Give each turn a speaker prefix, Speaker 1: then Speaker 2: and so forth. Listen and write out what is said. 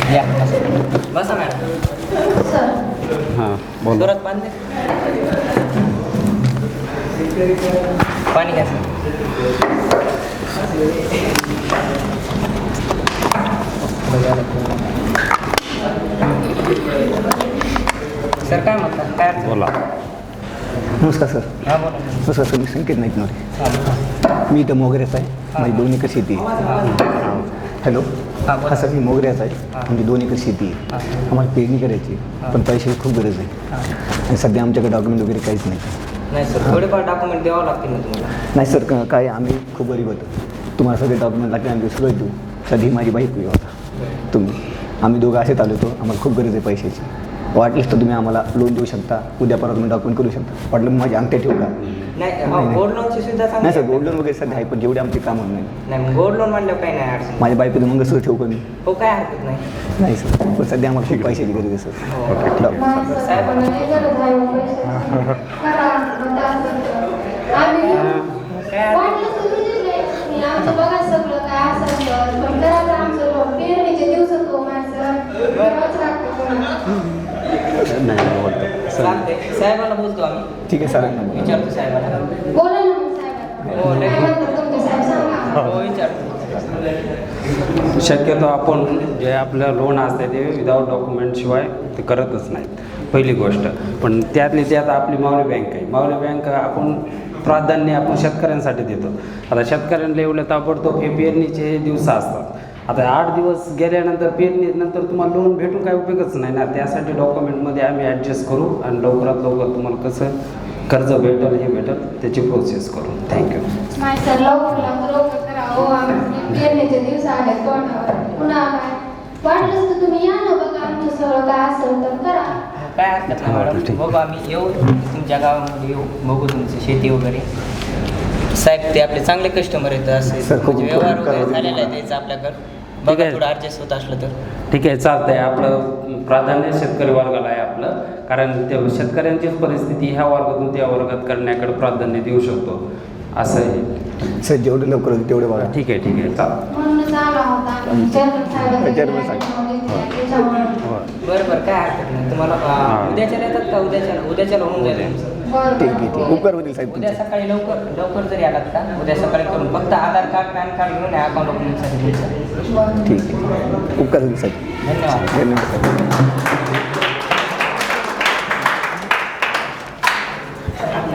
Speaker 1: या बसा मॅडम.
Speaker 2: हां बोला.
Speaker 1: जोरात पाणी दे. पाणी घ्या सर. सर काय म्हणतात काय अडचण?
Speaker 2: बोला.
Speaker 3: नमस्कार सर.
Speaker 1: हां बोला.
Speaker 3: नमस्कार सर, मी संकेत नाईक नवरे.
Speaker 1: हां
Speaker 3: मी इथं मोगऱ्याचा आहे. माझी 2 एकर शेती आहे. हॅलो.
Speaker 1: हां बोला.
Speaker 3: हा सर, मी मोगऱ्याचा आहे. आमची 2 एकर शेती आहे. आम्हाला पेरणी करायची पण पैशाची खूप गरज आहे. आणि सध्या आमच्याकडे डॉक्युमेंट वगैरे काहीच नाही.
Speaker 1: नाही सर, थोडेफार डॉक्युमेंट द्यावं लागतील ना तुम्हाला.
Speaker 3: नाही सर, काय आम्ही खूप गरीब होतो. तुम्हाला सगळे डॉक्युमेंट लागते, आम्ही सगळं देऊ. सध्या माझी बाईक होता तुम्ही. आम्ही दोघं असेच आलो होतो. आम्हाला खूप गरज आहे पैशाची. वाटलीच तर तुम्ही आम्हाला लोन देऊ शकता. उद्या परवा तुम्ही डॉक्युमेंट करू शकता. वाटलं माझी अंगठ्या ठेवू का?
Speaker 1: नाही गोल्ड लोनची सुविधा
Speaker 3: नाही
Speaker 1: सांगा.
Speaker 3: सर, गोल्ड लोन वगैरे सध्या आहे पण जेवढे आमचे काम होत नाही.
Speaker 1: नाही गोल्ड लोन म्हणल्यावर काही नाही अडचण.
Speaker 3: माझ्या बायकोचं मग कसं ठेवू का मी?
Speaker 1: हो काय हरकत नाही.
Speaker 3: नाही सर, पण सध्या आम्हाला खूप पैशाची गरज आहे सर.
Speaker 1: साहेब
Speaker 2: नाही बोलतो सर.
Speaker 1: चालते. साहेबाला बोलतो आम्ही.
Speaker 3: ठीक आहे सरांना बोला.
Speaker 1: विचारतो साहेबाला. हो विचारतो.
Speaker 2: शक्यतो आपण जे आपलं लोन असते ते विदाऊट डॉक्युमेंटशिवाय ते करतच नाहीत, पहिली गोष्ट. पण त्यातली त्यात आपली मावली बँक आहे. मावली बँक आपण प्राधान्य आपण शेतकऱ्यांसाठी देतो. आता शेतकऱ्यांना एवढं ताबडतोब हे पेरणीचे दिवस असतात. आता 8 दिवस गेल्यानंतर पेरणीनंतर तुम्हाला लोन भेटून काही उपयोगच नाही ना. त्यासाठी डॉक्युमेंटमध्ये आम्ही ॲडजस्ट करू आणि लवकरात लवकर तुम्हाला कसं कर्ज भेटेल हे भेटेल त्याची प्रोसेस करू. थँक्यू.
Speaker 4: नाही सर, लवकर करा. हो, आम्ही पेरणीचे दिवस आले तोंडावर. पुन्हा काय वाटलंच तर तुम्ही या ना, बघा आमचं सगळं काय असेल तर करा.
Speaker 1: काय हरकत नाही मॅडम. बघू आम्ही येऊ तुमच्या गावामध्ये येऊ, बघू तुमची शेती वगैरे. साहेब ते आपले चांगले कस्टमर आहेत. असे
Speaker 3: सर, खूप
Speaker 1: म्हणजे व्यवहार
Speaker 3: उपकार
Speaker 1: वगैरे
Speaker 3: करा
Speaker 1: झालेला आहे
Speaker 3: तुम्हाला.
Speaker 1: त्याचं आपल्याकडं.
Speaker 2: ठीक
Speaker 1: बघा
Speaker 2: आहे.
Speaker 1: थोडं ॲडजस्ट होत असलं तर.
Speaker 2: ठीक आहे, चालतंय. आपलं प्राधान्य शेतकरी वर्गाला आहे आपलं, कारण ते शेतकऱ्यांचीच परिस्थिती ह्या वर्गातून त्या वर्गात करण्याकडे प्राधान्य देऊ शकतो असं आहे.
Speaker 3: सर, जेवढं लवकर होईल तेवढे बघा.
Speaker 2: ठीक आहे, ठीक आहे, चालेल.
Speaker 4: म्हणूनच आला होता आम्ही. चेअरमन साहेबांना
Speaker 3: चेअरमन साहेब.
Speaker 4: त्याच्यामुळे.
Speaker 1: बरं काय हरकत नाही. तुम्हाला उद्याच्याला येतात का? उद्याच्याला होऊन जाईल तुमचं.
Speaker 4: बरं
Speaker 3: ठीक आहे, ठीक आहे. उपकार होतील साहेब
Speaker 1: उद्या
Speaker 3: तुमचे.
Speaker 1: सकाळी लवकर जरी आलात का उद्या सकाळी करून फक्त आधार कार्ड पॅन कार्ड घेऊन या अकाउंट ओपनिंगसाठी तुमचं.
Speaker 4: बरं.
Speaker 3: ठीक आहे. उपकार होतील साहेब.
Speaker 1: धन्यवाद.
Speaker 3: धन्यवाद साहेब.